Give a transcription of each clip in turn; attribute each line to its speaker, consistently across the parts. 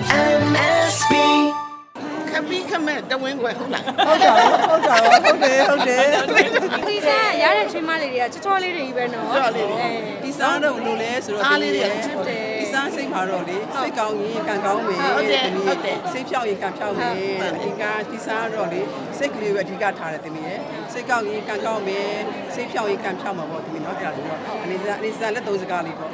Speaker 1: MSB ခပီးခမဲ့တဝင်းခွဲဟုတ်လား
Speaker 2: ဟုတ်တယ်
Speaker 3: ဒီစားရတဲ့ချွေးမလေးတွေကချောချောလေးတွေကြီးပဲနော်
Speaker 2: ဒီစားတော့လို့လဲဆိုတော့ဒီစားစိတ်မှာတော့လေစိတ်ကောင်းရင်ကံကောင်းမယ်စိတ်ဖြောက်ရင်ကံဖြောက်မယ်ဒီကဒီစားတော့လေစိတ်ကလေးပဲအဓိကထားတယ်တမီးရဲ့စိတ်ကောင်းရင်ကံကောင်းမယ်စိတ်ဖြောက်ရင်ကံဖြောက်မှာပေါ့တမီးနော်အဲ့ဒါတော့အနေစားလက်သုံးစကားလေးပေါ့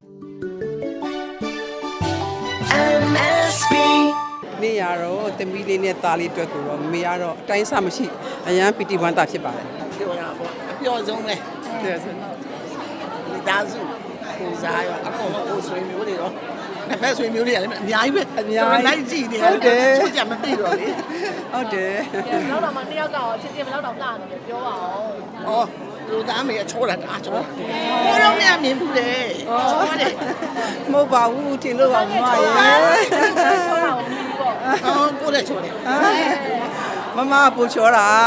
Speaker 1: MSB
Speaker 2: နေရတော့တမီးလေးနဲ့သားလေးအတွက်ကိုတော့မေကတော့အတိုင်းအဆမရှိအရန်ပီတီဝမ်းတာဖြစ်ပါတယ်
Speaker 1: ပြောရပါအပျော်ဆုံးပဲမိသားစုကိုစားရောအကုန်လုံးကိုဆွေးမျိုးတွေတော့တစ်ဖက်ဆွေးမျိုးတွေကလည်းအများကြီးပဲလိုက်ကြည့်နေတယ်ချို့ကြမသိတော့လေ
Speaker 2: ဟုတ်တယ်
Speaker 4: ဘလောက်တော့မှတစ်ယောက်ကတော့ချင်းချင်းဘလောက်တော့ကနေတယ်ပြောပါအောင်
Speaker 1: ဩလူသားမေအချိုးတာအားချိုးကိုတော့မြင်မြင်ဘူးလေချိုးတယ်
Speaker 2: မဟုတ်ပါဘူးထင်လို့ပါမမရေ
Speaker 4: ပြောတာကိုပြီးပေါ့
Speaker 1: ကိုလည်းချိုးတယ်
Speaker 2: မမပူချောတာ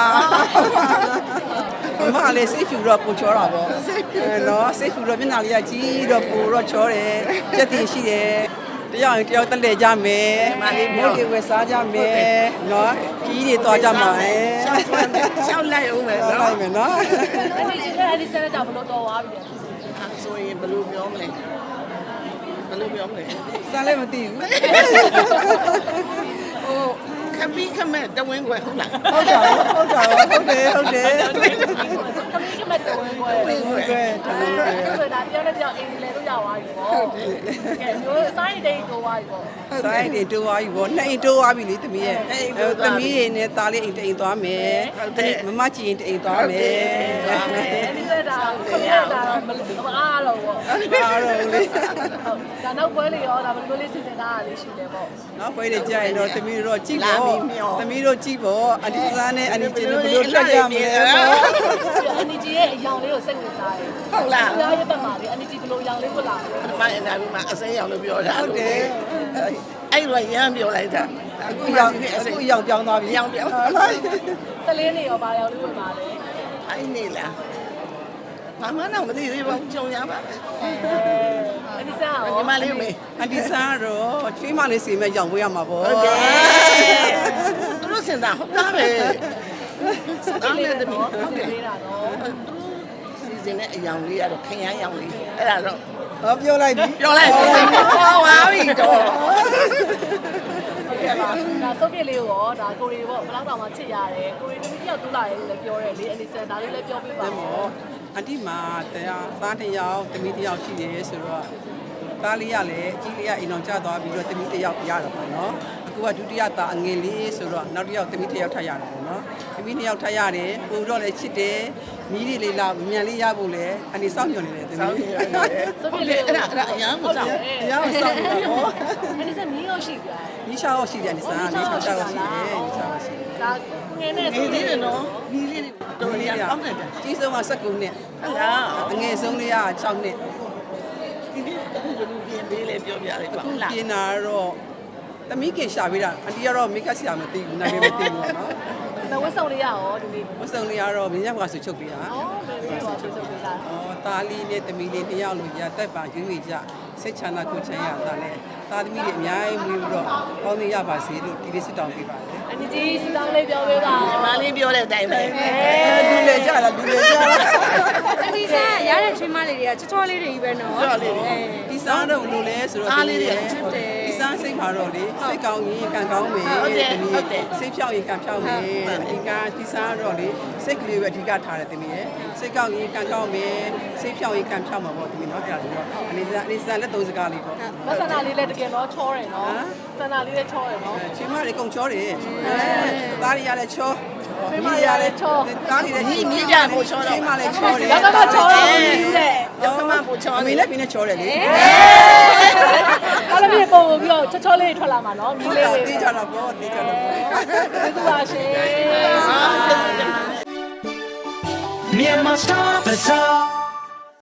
Speaker 2: မမလည်းစိတ်ဖြူတော့ပူချောတာပေါ့နော်စိတ်ဖြူတော့မျက်နှာလေးကကြီးတော့ပူတော့ချောတယ်ကြက်တင်ရှိတယ်တယောက်ရင်တယောက်တက်လေကြမယ်မိုးတွေဝယ်စားကြမယ်နော်ကြီးတွေသွားကြမှာ
Speaker 1: ရှောက်လိုက်အောင်မယ်
Speaker 2: နော်
Speaker 1: နော်
Speaker 2: လိုက်မယ်နော်
Speaker 4: အဲ့ဒီဆက်လက်ကြောင့်ဘလို့တော့သွားပြီလေ
Speaker 1: ဆိုရင်ဘယ်လိုပြောမလဲဘယ်လိုပြောမလဲ
Speaker 2: စားလည်းမသိဘူး
Speaker 1: ဟိုခပီးခမဲ့တဝင်းခွဲဟုတ်လား
Speaker 2: ဟုတ်တယ်
Speaker 4: ခမီးကမတော်ဝင်ပွဲဆိုတာပြောနေပြောအင်္ဂလိပ်လို့ရသွားပြီပေါ့ကဲမျိုးစိုင်းတိတ်တော့သွားပြီပေါ့
Speaker 2: ဆိုင်တွေတိုးသွားပြီဗောနှစ်အိမ်တိုးသွားပြီလေသမီးရဲ့သမီးတွေနဲ့သားလေးအိမ်တိမ်သွားမယ်မမကြည့်ရင်တိမ်သွားမယ်
Speaker 4: အဲ့ဒီဆက်တာခမီးတာမအားတော့ပေါ့
Speaker 2: အားတော့လေ
Speaker 4: ဒါနောက်ပွဲလေးရောဒါဘယ်လိုလေးစီစဉ်တာလေးရှိလဲပေါ့
Speaker 2: နောက်ပွဲတွေကြာရင်တော့သမီးတို့ကြည့်ပေါ့သမီးတို့ကြည့်ပေါ့အဒီစားနဲ့အနီကျင်းတို့ဘယ်လိုထွက်ကြမလဲပေါ့
Speaker 4: အန်နီဂျီရဲ့အယောင်လေးကိုစိတ်ဝင်စားတယ်
Speaker 1: ဟုတ်လား
Speaker 4: ။ကြားရပတ်မှာလေအန်နီဂျီဘယ်လိုအယောင်လေးကိုလာလဲ
Speaker 1: ဒီမှာအင်တာဗျူးမှာအစိမ်းရောင်လို့ပြောတာအဲ့လိုရမ်းပြောလိုက်တာ
Speaker 2: အခုရောက်ပြောင်းသွားပြီ
Speaker 1: ရောင်ပြောင်း
Speaker 4: ။စလင်းနေရောဘာရောက်လေးဝင်ပါလဲ
Speaker 1: အဲ့နေလားဘာမှတော့မသိသေးပါဘူးကြုံရပါပဲ
Speaker 4: ။အန်နီဆာရော
Speaker 1: ဒီမှာလေးမေ
Speaker 2: အဒီစားတော့ချွေးမလေးစီမဲ့ရောက်ဝေးရမှာပေါ့
Speaker 1: ဟုတ်တယ်သူတို့စင်တာဟုတ်သားပဲစတားနဲ့တမီး
Speaker 4: ဟု
Speaker 1: ဟုတ် တ်
Speaker 4: တ
Speaker 1: တယ် ယ်
Speaker 4: လေးတာနော်
Speaker 1: စီစဉ်တဲ့အယောင်လေးကတော့ခရမ်းရောင်လေးအဲ့ဒါတော့
Speaker 2: ဟောပြောလိုက်ပြီ
Speaker 1: ပြောလိုက်ဟောပါပြီတော့
Speaker 4: ။ဟုတ်ကဲ့ပါ။ဒါစုပ်ပြစ်လေးကိုရောဒါကိုရီပေါ့ဘယ်တော့တောင်မှချစ်ရတယ်။ကိုရီတမီးတယောက်တူးလာတယ်လို့လည်းပြောတယ်လေအန်နီဆာဒါလေးလည်းပြောပြပါ
Speaker 2: တယ်
Speaker 4: ဦး
Speaker 2: မောအတိမာတရားသားတစ်ယောက်သမီးတစ်ယောက်ရှိတယ်ဆိုတော့သားလေးရလည်းအကြီးလေးကအိမ်အောင်ကျသွားပြီးတော့သမီးတစ်ယောက်ရတော့ပေါ့နော်အခုကဒုတိယသားအငယ်လေးဆိုတော့နောက်တစ်ယောက်သမီးတစ်ယောက်ထပ်ရတယ်ပေါ့နော်သမီးနှစ်ယောက်ထပ်ရတယ်ပို့တော့လည်းချစ်တယ်မီးလေးလာမြန်လေးရဖို့လည်းအနေစောင့်ညွန်နေတယ်သမီး
Speaker 4: စုပ်ပြစ်လေးကို
Speaker 1: အဲ့ဒါအရန်ကိုစောင့်
Speaker 2: တရားမစောင့်ဘူးပေါ့
Speaker 4: အန်နီဆာမီးရောရှိပြတယ်
Speaker 2: နီးရှားရောရှိတယ်အနေစားနီးရှားရောရှိတယ်နီးရှားရောရှိတယ်
Speaker 4: ။ဒါငယ်နဲ့
Speaker 1: နေသေးတယ်နော်ဒီလေးတော်ရအောင်တယ်
Speaker 2: ကြီးဆုံးက19နှစ်
Speaker 1: ဟုတ်လား
Speaker 2: အငယ်ဆုံးလေးက6နှစ်
Speaker 1: ဒီနေ့အခုဘယ်လိုပြင်ပေးလဲပြောပြလိုက်ပါလား
Speaker 2: ပြင်တာတော့သမီးခင်ရှာပေးတာအန်တီကတော့မိတ်ကပ်ဆရာမသိဘူးနာမည်မသိဘူးပေါ့နော်
Speaker 4: ။ဝတ်စုံလေးရရောဒီနေ့
Speaker 2: မစုံလေးကတော့မင်းရကဆိုချုပ်ပေးတာ
Speaker 4: ။အော်ဘယ်လိုပါဆွေးဆွေးပေးတာ
Speaker 2: ။အော်သားလေးနဲ့သမီးလေးနှစ်ယောက်လို့ရတက်ပါရွေးနေကြစိတ်ချမ်းသာကိုယ်ချမ်းရတာလဲသားသမီးတွေအများကြီးမွေးပြီးတော့ပေါင်းနေရပါစေလို့ဒီလေးစစ်တောင်းပေးပါတယ်
Speaker 4: ။အန်နီဂျီစီတောင်းလေးပြောပေးပါဦး
Speaker 1: မလေးပြောတဲ့အတိုင်းပဲ
Speaker 2: ။လူလေကြလားလူလေကြလား
Speaker 3: ဒီစားရတဲ့ချွေးမလေးတွေကချောချောလေးတွေကြီးပဲနော်
Speaker 2: ။ဒီစားတော့လို့လဲဆိုတော့ဒီစားစိတ်မှာတော့လေစိတ်ကောင်းရင်ကံကောင်းမယ်စိတ်ဖြောက်ရင်ကံဖြောက်မယ်အင်္ဂါဒီစားတော့လေစိတ်ကလေးပဲအဓိကထားတယ်သမီးရဲ့စိတ်ကောင်းရင်ကံကောင်းမယ်စိတ်ဖြောက်ရင်ကံဖြောက်မှာပေါ့သမီးနော်အဲ့ဒါတော့အနေစားလက်သုံးစကားလေးပေါ့
Speaker 4: ။မဆန္ဒလေးလည်းတကယ်တော့ချောတယ်နော်။ဆန္ဒလေးလည်းချောတယ်နော်
Speaker 2: ချင်းမလေးကုန်ချောတယ်သားရီရလည်းချော
Speaker 4: ။မိမရလည်းချော
Speaker 2: သားရီလည်း
Speaker 1: ညီကြဖို့ချောတော့
Speaker 2: ချင်းမလေးချောတယ်
Speaker 4: ။ရောက်ကချောတော့ဘူးတဲ့
Speaker 1: ရောက်ကမှဖို့ချော
Speaker 2: အမေလည်းပြင်းနဲ့ချောတယ်လေ
Speaker 4: ။အားလုံးပြေပုံပြီးတော့ချောလေးထွက်လာမှာနော်။မီးလေးလေး
Speaker 2: တေးကြတော့ပေါ့တေးကြတော့ပေါ့
Speaker 4: ။ဒီပါရှင်။
Speaker 1: Myanmar Star Bazaar